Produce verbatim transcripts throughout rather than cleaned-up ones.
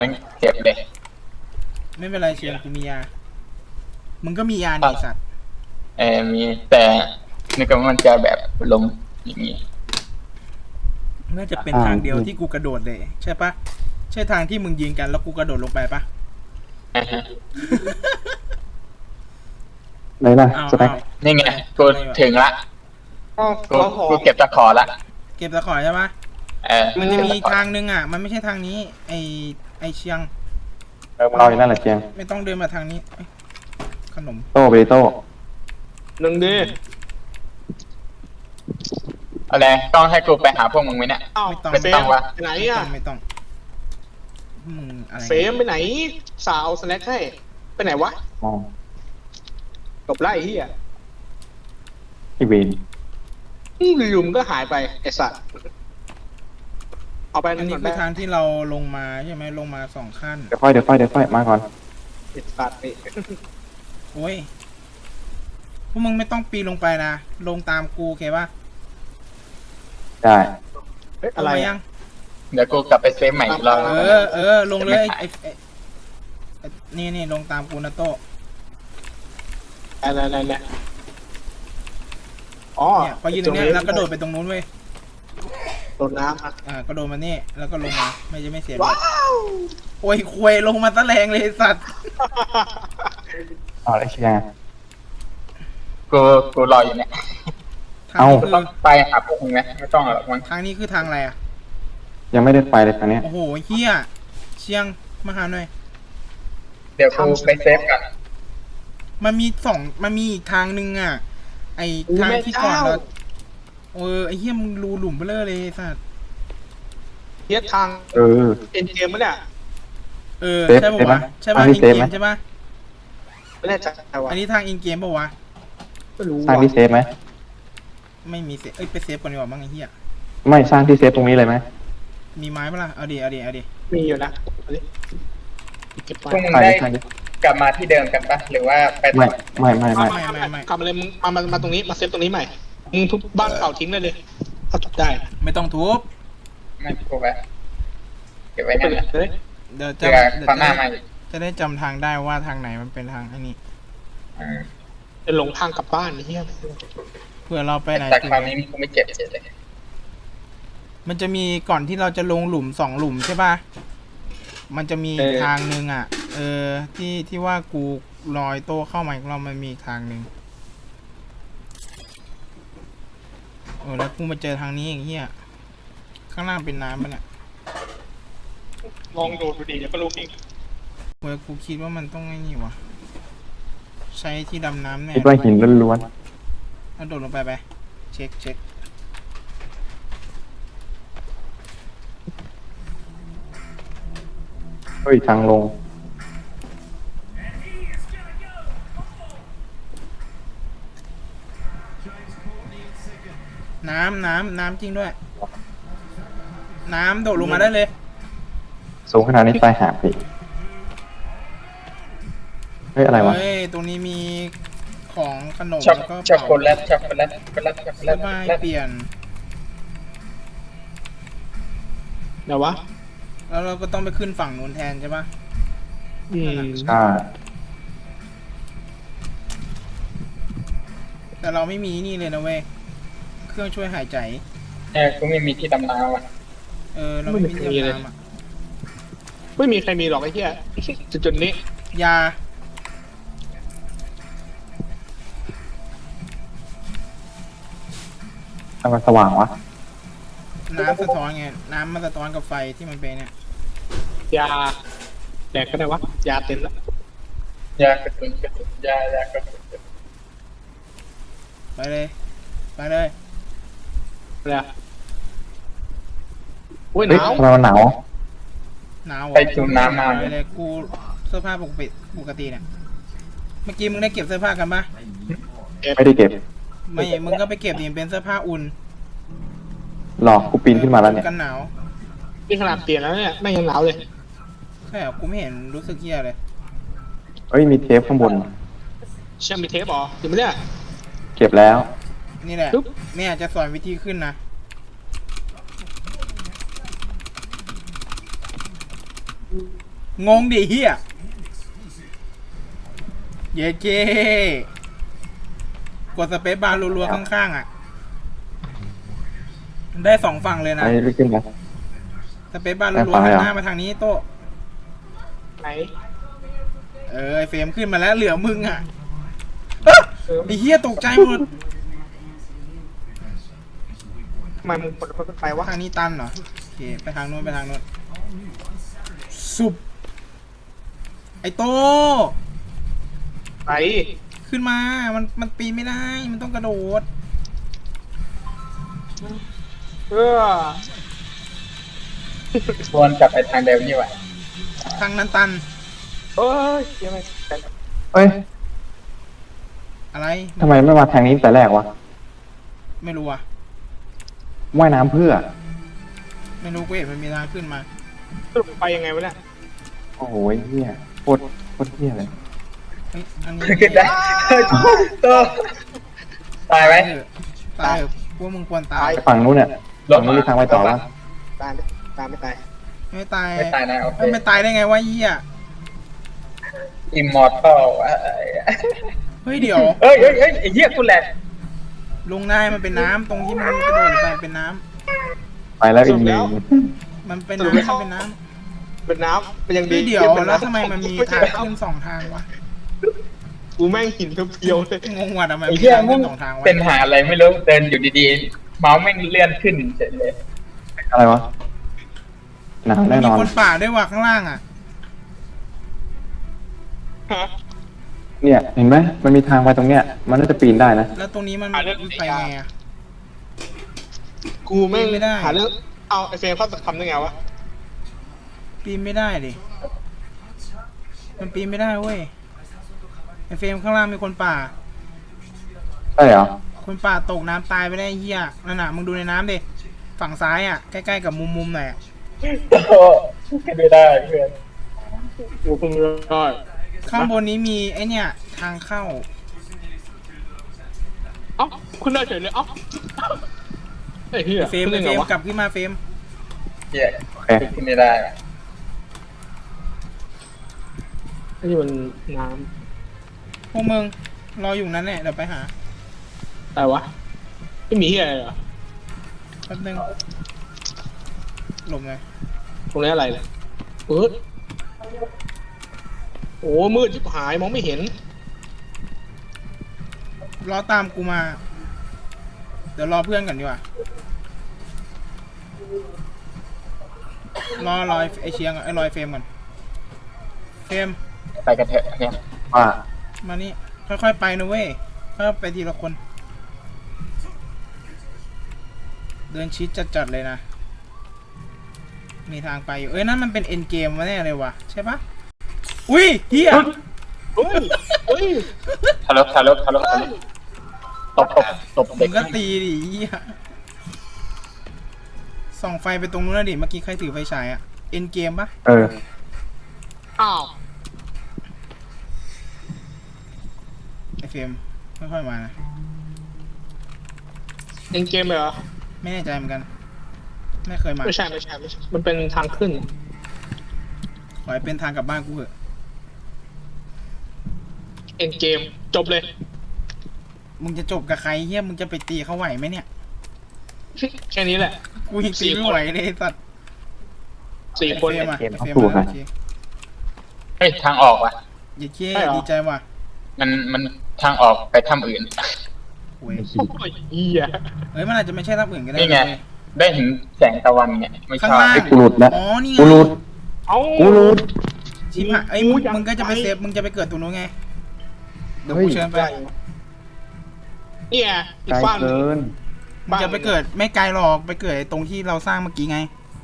เก็บเลยไม่เป็นไรเชียงกูมียามึงก็มียานี่สัตว์เออมีแต่นึกว่ามันจะแบบลงอย่างนี้น่าจะเป็นทางเดียวที่กูกระโดดเลยใช่ปะใช่ทางที่มึงยืนกันแล้วกูกระโดดลงไปปะไหนล่ะสแต็กนี่ไงกูถึงละกูกูเก็บตะขอละเก็บตะขอใช่ปะเออมันจะมีทางนึงอ่ะมันไม่ใช่ทางนี้ไอไอเชียงเออเราอยู่นั่นแหละเชียงไม่ต้องเดินมาทางนี้ขนมโต้ไปโต้หนึ่งดีอะไรต้องให้กูไปหาพวกมึงไหมเนี่ยไม่ต้องไม่ต้องวะไหนอ่ะไม่ต้องมึงอะไรเฟมไปไหนสาวสแน็คให้ไปไหนวะตบไล่ที่อ่ะอีเวนอยู่ๆมันก็หายไปไอสัตว์เอาไปอันั่นนนี้ก่อนคือได้ทางที่เราลงมาใช่ไหมลงมาสองขั้นเดี๋ยวค่อยเดี๋ยวค่อยเดี๋ยวค่อยมาก่อนไอสัตว์นี่โอ้ยพวกมึงไม่ต้องปีนลงไปนะลงตามกูโอเคปะได้เฮ้ยอะไรยังเดี๋ยวกูกลับไปเซฟใหม่อีกรอบเออเออลงเลยไอนี่นี่ลงตามกูนะโต้อะไรอะไรเนี่ยอ๋อเนี่ยพอยืนตรงนี้แล้วกระโดดไปตรงนู้นเว้ยโดดน้ำอ่ากระโดดมานี่แล้วก็ลงมาไม่จะไม่เสียว้าวโอ้ยควยลงมาตะแรงเลยสัตว์เอาเลยเชียงกูกูรออยู่เนี่ยเอาต้องไปหาพวกมึงไหมไม่ต้องหรอกมั้งทางนี้คือทางอะไรอ่ะยังไม่ได้ไปเลยทางนี้โอ้โหเฮียเชียงมาหาหน่อยเดี๋ยวกูไปเซฟกันมันมีสองมันมีอีกทางนึงอ่ะไอทางที่ก่อนเราเออไอเฮียมึงรูหลุมไปเลยเลยสัตว์เทียบทางเออเอ็นเกมมั้ยเนี่ยเออใช่ป่าวะใช่ป่ะอินเกมใช่ป่ะไม่แน่ใจว่ะอันนี้ทางอินเกมป่าวะไม่รู้สร้างที่เซฟไหมไม่มีเซฟเอ้ยไปเซฟก่อนดีกว่ามั้งไอ้เหี้ยไม่สร้างที่เซฟตรงนี้เลยไหมมีไม้ปะล่ะเอาดิเอาดิเอาดิมีอยู่นะเก็บพวกมึงได้กลับมาที่เดิมกันปะหรือว่าไปไม่ไม่ไม่ไม่ไม่กลับมาเลยมึงมามามาตรงนี้มาเซฟตรงนี้ใหม่มึงทุบบ้านเก่าทิ้งได้เลยถ้าทุบได้ไม่ต้องทุบไม่ทุบไปเก็บไว้นั่นแหละเดี๋ยวจะจะได้จำทางได้ว่าทางไหนมันเป็นทางไอ้นี่จะหลงทางกลับบ้านนี่เฮียเพื่อเราไปไหนแต่คราวนี้กูไม่เจ็บเจ็บเลยมันจะมีก่อนที่เราจะลงหลุมสองหลุมใช่ป่ะมันจะมีทางนึงอ่ะเออที่ที่ว่ากูลอยโตเข้ามาอีกรอบมันมีทางนึงเออแล้วกูมาเจอทางนี้อย่างเงี้ยข้างล่างเป็นน้ำมันอ่ะลองโดดดูดิเดี๋ยวก็รู้เองเว้ยกูคิดว่ามันต้องไงนี่วะใช้ที่ดำน้ำเนี่ยคิดว่าหินล้วนๆแล้วโดดลงไปไปเช็คเช็คเฮ้ยทางลงน้ำน้ำน้ำจริงด้วยน้ำโดดลงมาได้เลยสูงขนาดนี้ตายหาไปเฮ้ยอะไรวะเฮ้ยตรงนี้มีของขนมแล้วก็ช็อกโกแลตช็อกโกแลตช็อกโกแลตช็อกโกแลตไม่เปลี่ยนเดี๋ยววะแล้วเราก็ต้องไปขึ้นฝั่งนู้นแทนใช่ปะอืมใช่แต่เราไม่มีนี่เลยนะเว้ยเครื่องช่วยหายใจเออกูไม่มีที่ดำน้ำอ่ะเออเราไม่มีที่ดำน้ำอ่ะไม่มีใครมีหรอกไอ้เหี้ยจุดจุดนี้ยาทำไมสว่างวะน้ำสะท้อนไงน้ำมันสะท้อนกับไฟที่มันเป็นเนี่ยยาแดกก็ได้วะยาเต็มแล้วยากระตุ้นกระตุ้นยายากระตุ้นไปเลยไปเลยเลยโอ้ยหนาวเราหนาวหนาวไปจุ่มน้ำมาเลยกูเสื้อผ้าปกติปกติเนี่ยเมื่อกี้มึงได้เก็บเสื้อผ้ากันปะไม่ได้เก็บไม่มึงก็ไปเก็บดิเป็นเสื้อผ้าอุ่นหลอกกูปีนขึ้นมาแล้วเนี่ยกันหนาวนี่ขนาดเปลี่ยนแล้วเนี่ยไม่ยังหนาวเลยใช่เหรอกูไม่เห็นรู้สึกเหี้ยเลยเอ้ยมีเทปข้างบนเชื่อมีเทปหรอเดี๋ยวไม่ได้เก็บแล้วนี่แหละแม่จะสอนวิธีขึ้นนะงงดิเฮียเย้เก้กดสเปซบาร์รัวๆข้างๆอ่ะได้สองฝั่งเลยนะไปลุกขึ้นมาสเปซบาร์ได้รัวฝั่งๆเลยหันเหรอหน้ามาทางนี้โต๊ะไหนเออไอเฟรมขึ้นมาแล้วเหลือมึงอ่ะไอเฮียตกใจหมดทำไมมึงกดรถไฟวะทางนี้ตันเหรอโอเคไปทางนู้นไปทางนู้นสุบไอโตไปขึ้นมา มันมันปีนไม่ได้ มันต้องกระโดดเออวนกลับไปทางเดิมนี่หว่าทางนั้นตันเอ้ยยังไงเอ้ยอะไรทำไมไม่มาทางนี้แต่แรกวะไม่รู้อ่ะว่ายน้ำเพื่อไม่รู้กูเห็นมันมีทางขึ้นมาสรุปไปยังไงวะเนี่ยโอ้โหเฮียโคตรโคตรเฮียเลยเฮ้ย อันนี้ขึ้นได้ตัวตายไหมตายเถอะตายเถอะพวกมึงควรตายฝั่งนู้นเนี่ยฝั่งนู้นมีทางไปต่อวะตายไหมตายไม่ตายไม่ตายไม่ตายนะโอเคเอ้ยไม่ตายได้ไงวะเหี้ยอิมมอร์ทัลเฮ้ยเดี๋ยวเฮ้ยเฮ้ยเฮ้ยไอ้เหี้ยกูแหลกลงนายมันเป็นน้ำตรงที่มันกระโดดไปเป็นน้ำไปแล้วอีกหนึ่งมันเป็นน้ำมันเป็นน้เป็นน้ำเป็นยังำดีเฮ้ยเดี๋ยวเป็นแล้วน้ำทำไมมันมีทางขึ้นสองทางวะกูแม่งหินเพียวๆเลยงงว่ะทำไมไอ้มีเหี้ยทางมึขึ้งนสองทางวะเป็นหาอะไรไม่รู้เดินอยู่ดีๆเมาส์แม่งเลื่อนขึ้นเฉยเลยอะไรวะหนาวมัแน่นนมีอนคนป่าด้วยว่ะข้างล่างอ่ะฮะเนี่ยเห็นไหมมันมีทางไปตรงเนี้ยมันน่าจะปีนได้นะแล้วตรงนี้มันอ่ะเรื่องไปไงอ่ะกูแม่งไม่ได้หาเรื่องเอาไอเฟรมเข้าทำได้ไงวะปีนไม่ได้ดิ มันปีนไม่ได้เว้ย ไอเฟรมข้างล่างมีคนป่าใช่เหรอคนป่าตกน้ำตายไปได้เฮียนั่นน่ะมึงดูในน้ำดิ ฝั่งซ้ายอ่ะ ใกล้ๆกับมุมมุมๆหน่อยอะโอ้โหขึ้นไม่ได้เพื่อนกูเพิ่งรู้ได้ข้างบนนี้มีไอเนี่ยทางเข้าเอ้าคุณได้เฉยเลยเอ้าไอ้เหี้ยเฟรมขึ้นเฟได้รไงมวะกลับขึ้นมาเฟรมเหี้ยโอเคขึ้นไม่ได้นี่มันน้พวกมึงรออยู่นั้นแหละเดี๋ยวไปหาำอะไรวะไม่มีเหี้ยอะไรเหรอแป๊บนึงหลบเลยตรงนี้อะไรเนี่ยเออโอ้มืดชิบหายมองไม่เห็นรอตามกูมา เดี๋ยวรอเพื่อนก่อนดีกว่า รอรอยไอเชียงไอรอยเฟรมก่อน เฟรมไปกันเถอะเนี่ยว่ามานี่ค่อยๆไปนะเว้ยค่อยๆไปทีละคน เดินชิดจัดๆเลยนะ มีทางไปอยู่ เอ้ยนั่นมันเป็นเอ็นเกมมาแน่เลยว่ะใช่ปะอุ้ยเฮียเฮ้ยเฮ้ยทะลุทะลุทะลุทะลุตบตบตบมึเด็กงก็ตีดิเฮียส่องไฟไปตรงนู้นนะดิเมื่อกี้ใครถือไฟฉายอะเอ็นเกมปะเอออ้าวไอเฟรมค่อยๆมานะเอ็นเกมเหรอไม่แน่ใจเหมือนกัน ไม่เคยมาไม่ใช่ไม่ใช่ไม่ใช่มันเป็นทางขึ้นขอให้เป็นทางกลับบ้านกูเถอะเอ็นเกมจบเลยมึงจะจบกับใครเฮียมึงจะไปตีเขาไหวไหมเนี่ยแค่นี้แหละกูยังตีไม่ไหวเลยไอ้สัตว์สี่คนไอเฟรมอะเกมไอเฟรมเอาสู้มากันโอเคเฮ้ยทางออกว่ะอย่าเคใช่เหรอดีใจว่ะมันมันทางออกไปถ้ำอื่นโว้ยโอ้ยเหี้ยเฮ้ยมันอาจจะไม่ใช่รับอื่นก็ได้นี่ไงเว้ยได้เห็นแสงตะวันเนี่ยไม่ชข้างอบล่างไอ้กูหลุดแล้วอ๋อนี่ไงกูหลุดเอ้ากูหลุดชิบหายไอ้ยมึงกูอยากมึงก็จะไปไปเซฟมึงจะไปเกิดตรงนู้นไงเดี๋ยวเฮ้ยกูเชิญไปเนี่ยอีไกลกฝั่งเกินมึงจะไปเกิดไม่ไกลหรอกไปเกิดไอ้ตรงที่เราสร้างเมื่อกี้ไง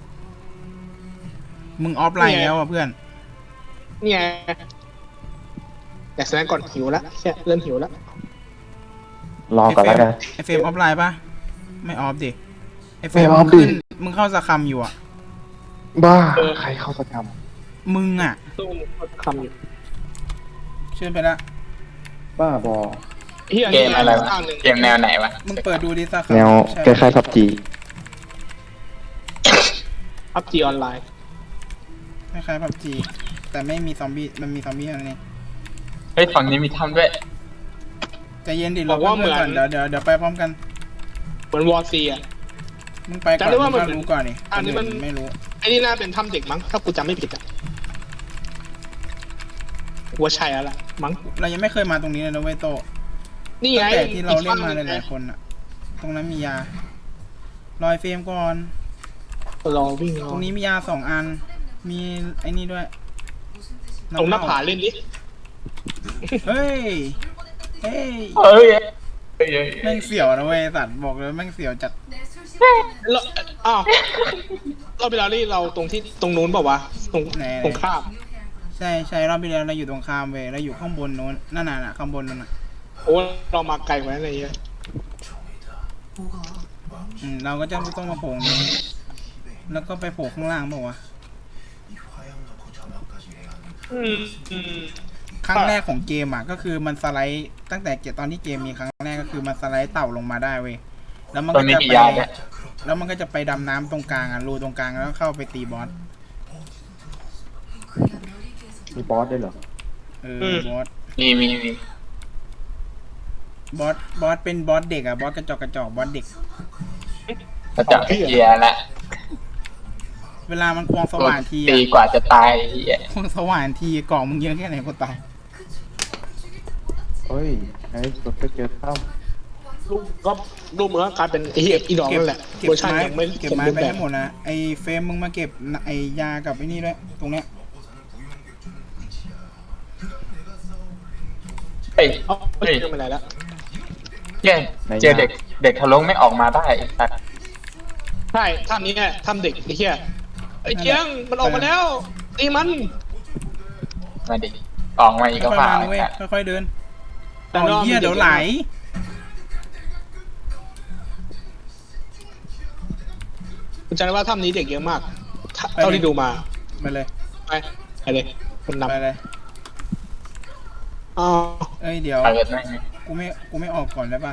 มึงออฟไลน์แล้วอ่ะเพื่อนเนี่ยแต่แสดงก่อนหิวแล้วแค่เริ่มหิวแล้วรอก่อนแล้วกันไอเฟรมออฟไลน์ปะไม่ออฟดิไอเฟรไม่มออฟดิขึ้นมึงเข้าสะคำอยู่อ่ะบ้า ใครเข้าประจมึงอ่ะตู้คำอยู่เชิญไปละำบ้าบอเฮียเกมอะไรวะข้างหนึ่งเกมแนวไหนวะมึงเปิดดูดิสะคำแนวใช่คล้ายๆพับจีพับจีออนไลน์คล้ายๆพับจีแต่ไม่มีซอมบี้มันมีซอมบี้เท่านั้นเองเฮ้ยฝั่งนี้มีถ้ำด้วยใจเย็นดิเราเพื่อนก่อนเดี๋ยวเดี๋ยวเดี๋ยวไปพร้อมกันเหมือนวอร์ซีอ่ะมึงไปก่อนจำได้ว่ามันมึงรู้ก่อนดิอันนี้มันคไม่รู้ไอ้นี่น่าเป็นถ้ำเด็กมั้งถ้ากูจำไม่ผิดอ่ะว่าใช่แล้วล่ะมั้งเรายังไม่เคยมาตรงนี้เลยนะเว้ยโตนี่ไงตั้งแต่ที่เราเล่นมาอีกหลายๆคนอะตรงนั้นมียาลอยเฟรมก่อนรอวิ่งรอตรงนี้มียาสองอัน มีไอ้นี่ด้วยตรงหน้าผาเล่นดิเฮ้ย เฮ้ยเฮ้ยเฮ้ยเฮ้ยแม่งเสียวนะเว้ยสัตว์บอกเลยแม่งเสียวจัดแล้วอ้าวเราเวลานี่เราตรงที่ตรงนู้นเปล่าวะตรงไหนตรงข้ามใช่ใช่รอบที่แล้วเราอยู่ตรงข้ามเว้ยเราอยู่ข้างบนโน้นนั่นน่ะน่ะข้างบนนั่นน่ะโอ้เรามาไกลกว่านั้นเลยเหี้ยอืมเราก็จะต้องมาโผล่ตรงนี้แล้วก็ไปโผล่ข้างล่างเปล่าวะอืมอืมครั้งแรกของเกมอ่ะก็คือมันสไลด์ตั้งแต่เกมตอนที่เกมมีครั้งแรกก็คือมันสไลด์เต่าลงมาได้เว้ยแล้วมันตรก็งนี้จะมีไปยาด้วยแล้วมันก็จะไปดำน้ำตรงกลางอ่ะรูตรงกลางแล้วเข้าไปตีบอสมีบอสด้วยเหรอเออบอสมีมีมีบอสบอสเป็นบอสเด็กอ่ะบอสกระจอกกระจอกบอสเด็กกระจับเกียร์ละเวลามันควงสว่านทีตีอ่ะกว่าจะตายเหี้ยควงสว่านทีกล่องมึงเยอะแค่ไหนก็ตายเฮ้ยไอ้สุดไปเจอถ้ลูกก็ลูกเหมือนกลายเป็นไอ้เหี้ยอีดอกเก็บนั่นแหละเก็บเวอร์ชันไม้ยังไม่เก็บสมไม้บูรณ์ไปแบบให้หมดนะไอ้เฟรมมึงมาเก็บไอ้ยากับไอ้นี่ด้วยตรงเนี้ยเฮ้ยเอาไม่เฮ้ยเจอไปไหนแล้วเย้เจอเด็กเด็กทะลงไม่ออกมาได้ไอ้สัตว์ใช่ถ้ำนี้เนี่ยถ้ำเด็กไอ้เหี้ยไอ้เจียงมันออกมาแล้วตีมันมาดิออกมาอีกก็ค่อยๆผ่ามานะเว้ยค่อยๆเดินแต่เอารอบเหี้ยมันเดี๋ยวไหลคุณจำได้ว่าถ้ำนี้เด็กเยอะมากถ้าเท่าที่ดูมาไปเลยไปไปเลยคนนำไปเลยอ๋อเอ้ยเดี๋ยวเปิดไหมกูไม่กูไม่ออกก่อนได้ปะ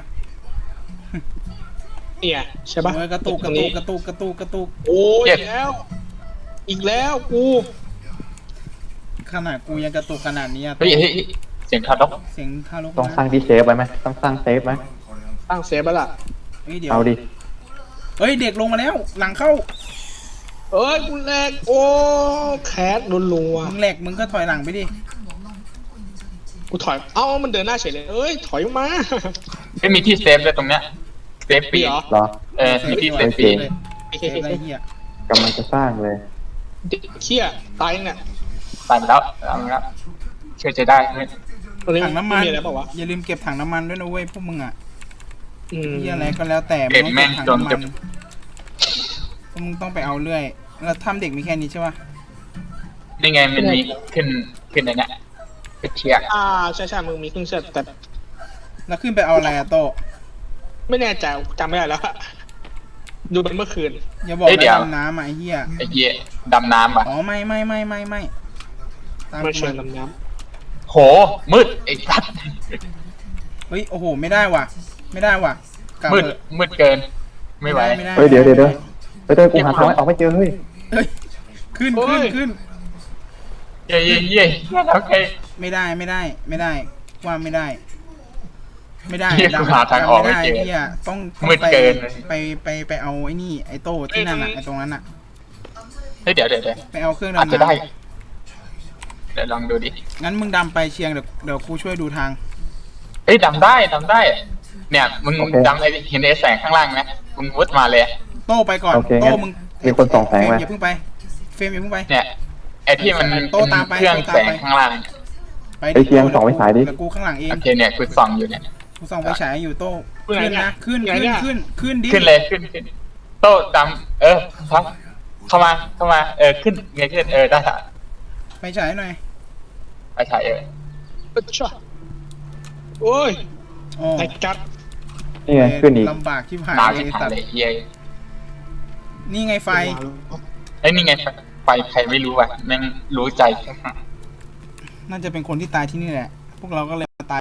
เนี่ยใช่ปะเออกระตุกกระตุกกระตุกกระตุกกระตุกโอ้ยอีกแล้ว อีกแล้วกูขนาดกูยังกระตุกขนาดนี้อะเฮ้ยเฮ้ยเสียงทารกเสียงทารกำต้องสร้างที่เซฟไว้ไหมต้องสร้างเซฟไหมตั้งเซฟแล้วล่ะเฮ้ยเดี๋ยวเอาดิเฮ้ยเด็กลงมาแล้ว หลังเข้าเอ้ยกูแรกโอ้แคสรัวมึงแหลกมึงก็ถอยหลังไปดิๆกูถอยเอ้ามันเดินหน้าเฉยเลยเอ้ยถอยมาไม่มีที่เซฟเลยตรงเนี้ยเซฟปีมีเหรอเหรอเออมีที่เซฟปีเลยเซฟอะไรเหี้ยกำลังจะสร้างเลยเด็กเขี้ยตายยังเนี่ยตันแล้วเอาละเชื่อจะได้ไหมตรงนี้ถังน้ำมันมีอะไรเปล่าวะอย่าลืมเก็บถังน้ำมันด้วยนะเว้ยพวกมึงอ่ะอืมเหี้ยอะไรก็แล้วแต่มึงต้องเก็บถังน้ำมันพวกมึงต้องไปเอาเรื่อยแล้วทำเด็กมีแค่นี้ใช่ปะนี่ไงมันมีขึ้นขึ้นในเนี้ยเป็นเชียร์อ่าใช่ใช่มึงมีเครื่องเชือดแต่แล้วขึ้นไปเอาอะไรอะโตไม่แน่ใจจำไม่ได้แล้วอะดูเป็นเมื่อคืนอย่าบอกว่าดำน้ำอะไอ้เหี้ยไอ้เหี้ยดำน้ำอ่ะอ๋อไม่ไม่ไม่ไม่ไม่ตามไม่กูเชิญมาลำน้โหมืดไอ้สัตว์เฮ้ยโอ้โหไม่ได้ว่ะ ไม่ได้ว่ะกลับมืดเถอะมืดเกิน ไม่ไหวไม่ได้เฮ้ยเดี๋ยวเดี๋ยวเดี๋ยวเฮ้ยเดี๋ยวกูหาทางไม่ออกไม่เจอเฮ้ยเฮ้ยขึ้นขึ้นขึ้นเย่เย่เย่โอเคไม่ได้ไม่ได้ไม่ได้ว่าไม่ได้ ไม่ได้เหี้ยกูหาทางออกไม่เจอด้เหี้ยต้องต้องมืดไปเกินไปไปไปเอาไอ้นี่ไอ้โต้ที่นั่นอ่ะไอ้ตรงนั้นอ่ะเฮ้ยเดี๋ยวเดี๋ยวเดี๋ยวไปเอาเครื่องอาจดำจะได้น้ำเดี๋ยวลองดูดิงั้นมึงดำไปเชียงเดี๋ยวเดี๋ยวกูช่วยดูทางเอ้ยดำได้ดำได้ เนี่ยมึงดำไอ้เห็นไอ้แสงข้างล่างไหมมึงวุดมาเลยโต้ไปก่อนโอเคโต้งั้นมึงมีคนส่องแสงเฟรไหมมอย่าเพิ่งไปเฟรมอย่าเพิ่งไปเนี่ยไอ้ที่มันโต้ตามไปเครื่องโต้ตามแสงไปข้างล่างไปไอ้เชียงส่องไฟฉายดิเดี๋ยวกูข้างหลังเองโอเคเนี่ยกูส่องอยู่เนี่ยกูส่องไฟฉายอยู่โต้ำขึ้นไหนขึ้นเนี่ยนะขึ้นไหนขึ้นเนี่ยขึ้นขึ้นดิขึ้นเลยขึ้นขึ้นโต้ดำเออครับเข้ามาเข้ามาเออขึ้นไงขึ้นเออได้ค่ะไฟฉายหน่อยไปถ่ายเออเอ้ยช่ะโอ้ยอ๋อไอ้กัดนี่ไงขึ้นอีกลำบากที่ผ่านหนาวเลชิบยหายสัตเลยว์เย้ยนี่ไงไฟไอ้ยนี่ไงไฟใครไม่รู้อ่ะแม่งรู้ใจน่าจะเป็นคนที่ตายที่นี่แหละ พวกเราก็เลยมาตาย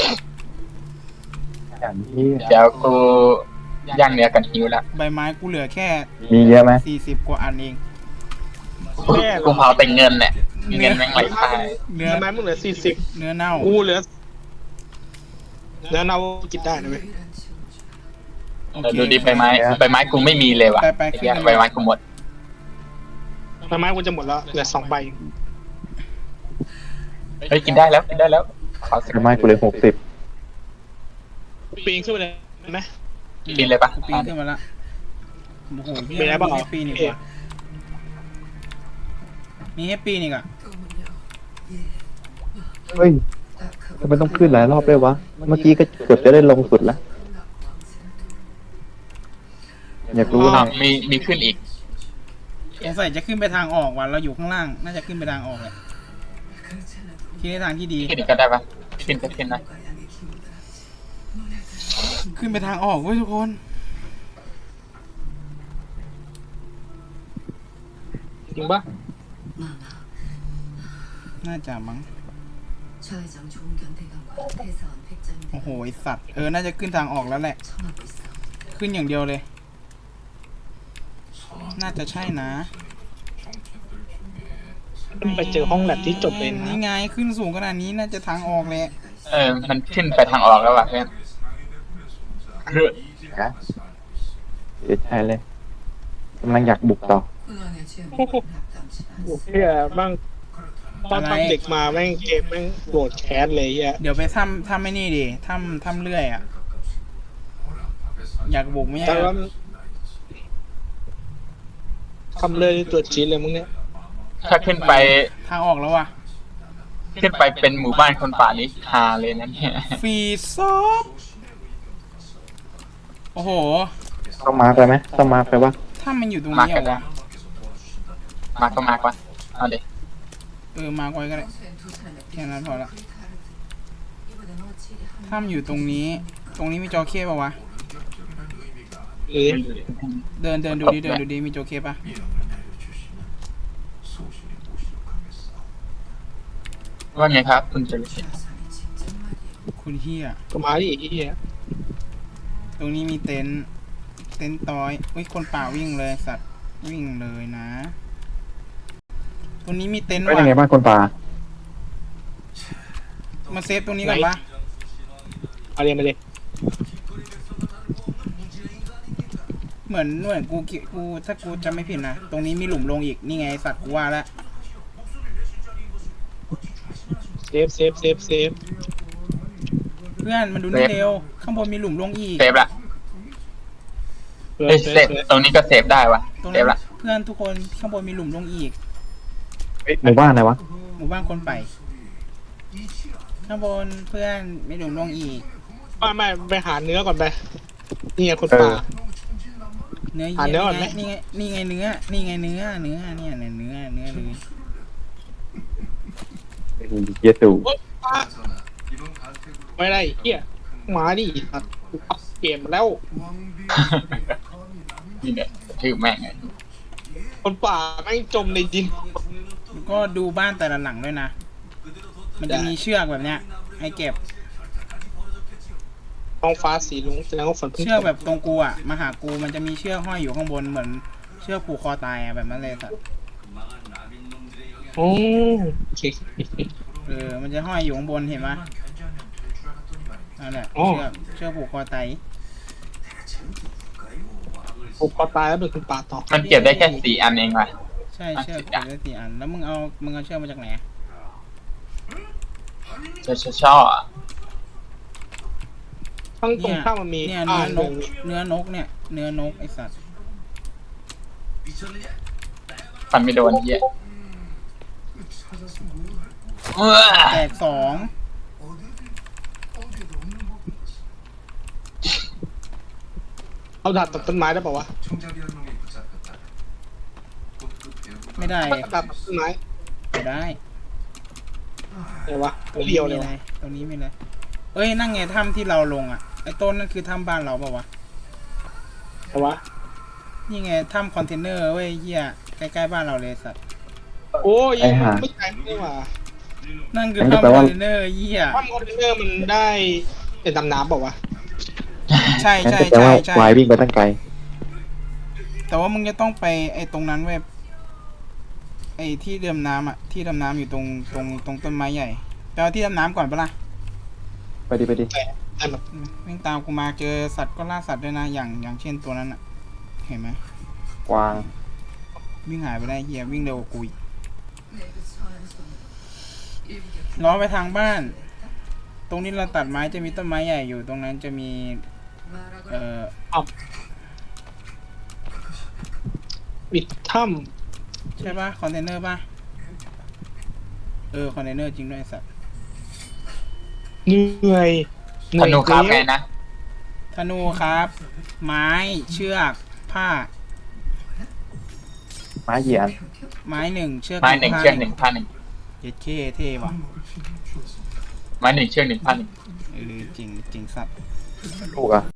อย่างที่เดี๋ยวกูย่างเนื้อกันหิวละใบไม้กูเหลือแค่มีเยอะไหมสี่สิบกว่าอันเองแย่กูเผาแต่เงินเนี่ยเงินแม่งไหลตายเนื้อทำไมมึงเหลือสี่สิบเนื้อเน่ากูเหลือแล้วเรากินได้นะเว้ยโอเออเคดูดิใบไม้ใบไม้กูไม่มีเลยว่ะไปไปไอ้เหี้ยขึ้นไปใบไม้กูหมดใบไม้กูจะหมดแล้วเหลือสองใบเฮ้ยกินได้แล้วกินได้แล้วขอสักทำไมกูเลยหกสิบปีนขึ้นไปเลยไหมกินเลยปะกูปีนขึ้นมาละโอ้โหเหี้ยมีอะไรบ้างมีให้ปีนอีกว่ะมีให้ปีนอีกอ่ะเฮ้ยทำไมต้องขึ้นหลายรอบด้วยวะ เมื่อกี้ก็เกือบจะได้ลงสุดแล้ว อยากรู้อ้านะวมีมีขึ้นอีกสงสัยจะขึ้นไปทางออกว่ะเราอยู่ข้างล่าง น่าจะขึ้นไปทางออกเลยคิดในทางที่ดีขึ้นอีกก็ได้ปะขึ้นก็ขึ้นนะขึ้นไปทางออกเว้ยทุกคนจริงปะน่าจะมั้ง 좌회전 좋은 견대감과 대사원 백장대 โอ้โหไอสัตว์ เออ น่าจะขึ้นทางออกแล้วแหละ 청하고 있어. ขึ้นอย่างเดียวเลย น่าจะใช่นะไปเจอห้องแลบที่จบเลยนะนี่ไงขึ้นสูงขนาดนี้น่าจะทางออกเลยเออมันขึ้นไปทางออกแล้วว่ะเพื่อนเฮ้ยนะเสียใจเลยกำลังอยากบุกต่อ 군왕의 죄목은 합당치 โอ้ 않습니다. เฮียบ้างตอนทำเด็กมาแม่งเกมแม่งโกรธแค้นเลยเฮียเดี๋ยวไปทำทำไม่นี่ดิทำทำเรื่อยอ่ะ อยากบุกไม่ใช่แต่เหรว่าอทำเลยตัวจีดเลยมึงเนี่ยถ้าขึ้นไปทางออกแล้วว่ะขึ้นไปเป็นหมู่บ้านคนป่านี้ฮาเลยนะเนี่ยฟรีซอฟโอ้โหต้องมาร์คไปไหมต้องมาร์คไปวะถ้ามันอยู่ตรงมานี้กัเหรนอนะวะมาก็มากวะเอาเด็เออ มาไว้ก็ได้ 평소엔 두 사람의 แค่นั้นพอละ 빛이 다르듯 이번엔 어찌리 한 ถ้ามันอยู่ตรงนี้ ตรงนี้มีจอเคป่ะวะหรือเดินเดินดูดิเดินดูดิมีจอเคป่ะว่าไงครับ คุณจะรู้สึก 사람이 직접 말이에요. คุณเฮียก็มาดิเฮียตรงนี้มีเต็นท์เต็นท์ต้อยเฮ้ยคนป่าวิ่งเลยสัตว์วิ่งเลยนะ ตรงนี้มีเต็นท์เป็นว่ะยังไงบ้างคนป่ามาเซฟตรงนี้ก่อนปะเอาเรียนมาเลยเหมือนเหมือนกูคิดกูถ้ากูจำไม่ผิดนะ ตรงนี้มีหลุมลงอีก นี่ไงสัตว์กูว่าแล้วเซฟเซฟเซฟเซฟเพื่อนมันดูนี่เร็ว ข้างบนมีหลุมลงอีกเซฟละเพื่อเฮ้ยเซเซฟฟตรงนี้ก็เซฟได้วะตรงเซนั้ฟนละเพื่อนทุกคนข้างบนมีหลุมลงอีกหมู่บ้านไหนวะหมู่บ้านคนไป ข้างบนเพื่อนมีหลุมลงอีกไม่ไม่ไปหาเนื้อก่อนไปนี่ไงคนป่าเนื้ออ่ะเยเนื้อก่อะอนไหมนี่ไงนี่ไงเนื้อ นี่ไงเนื้อ เนื้อเนี่ยเนื้อเนื้อเนื้อเลยเยสูโอ๊ยป่าไม่ได้เฮียมาดิตัดอัพเกมมาแล้วนี่เนี่ยชื่อแม่งไงคนป่าแม่งจมในดินแล้วก็ดูบ้านแต่ละหลังด้วยนะ มันจะมีเชือกแบบเนี้ย ให้เก็บท้องฟ้าสีลุงแสดงว่าฝนเพิ่งเชือกตกแบบตรงกูอ่ะ มาหากูมันจะมีเชือกห้อยอยู่ข้างบนเหมือนเชือกผูกคอตายอ่ะแบบนั้นเลยสัตว์โอ้โอเคเออ มันจะห้อยอยู่ข้างบนเห็นไหมนั่นแหละอ๋อเชือกเชือกผูกคอตายผมพอตายแล้วเป็นคนป่าต่อมันเก็บได้แค่สี่อันเองว่ะใช่เชือกเก็บได้สี่อัน แล้วมึงเอา มึงเอาเชือกมาจากไหนชอชอชอข้างตรงเนี่ยข้ามมันมีเนี่ยอ่าเนื้อนหกนึ่งเนื้อนกเนี่ย เนื้อนกไอสัตว์ฟันไม่โดนเหี้ยเออแตกสองเอาดาบตัดต้นไม้ได้ป่าวะไม่ได้ดาบตัดต้นไม้ไม่ได้ไหนวะไม่เรียวเลยวะตรงนี้มีอะไรเอ้ย นั่งไงถ้ำที่เราลงอ่ะ ไอ้ต้นนั่นคือถ้ำบ้านเราเปล่าวะไหนวะนี่ไงถ้ำคอนเทนเนอร์เว้ยเหี้ย ใกล้ๆบ้านเราเลยสัตว์โอ้ยไอ้ห่าไม่ใช่นี่หว่านั่นคืออันนี้ถ้ำแปลคอว่านเทนเนอร์เหี้ยถ้ำคอนเทนเนอร์มันได้เป็นดำน้ำเปล่าวะใช่งั้นใช่จะแปลใช่ว่าใช่วายวิ่งไปตั้งไกลแต่ว่ามึงจะต้องไปไอ้ตรงนั้นเว้ย ไอ้อ้ที่ดำน้ำอ่ะที่ดำน้ำอยู่ตรงตรงตรงต้นไม้ใหญ่ไปเอาที่ดำน้ำก่อนปะล่ะไปดิไปดิแต่แบบวิ่งตามกูมาเจอสัตว์ก็ล่าสัตว์ด้วยนะอย่างอย่างเช่นตัวนั้นอ่ะ เห็นไหมกวางวิ่งหายไปได้เฮียวิ่งเร็วกว่ากูอีก 내그 서한손으로 일부러 ล้อไปทางบ้าน ตรงนี้เราตัดไม้จะมีต้นไม้ใหญ่อยู่ ตรงนั้นจะมี 말하거라. เอ่อปิดถ้ใช่ปะคอนเทนเนอร์ปะเออคอนเทนเนอร์จริงด้วยไอ้สัตว์ำเหนื่อยเหธนูครับอยไงแล้วธนะนูครับ ไม้เชือกผ้าไม้เหยียนไม้หนึ่งเชือกไม้หนึ่งผ้าเชือกหนึ่งผ้าหนึ่งเจ็ดเคเท่ว่ะไม้หนึ่งเชือกหนึ่งผ้าหนึ่งเออจริงจริงสัตว์ลูกอ่ะ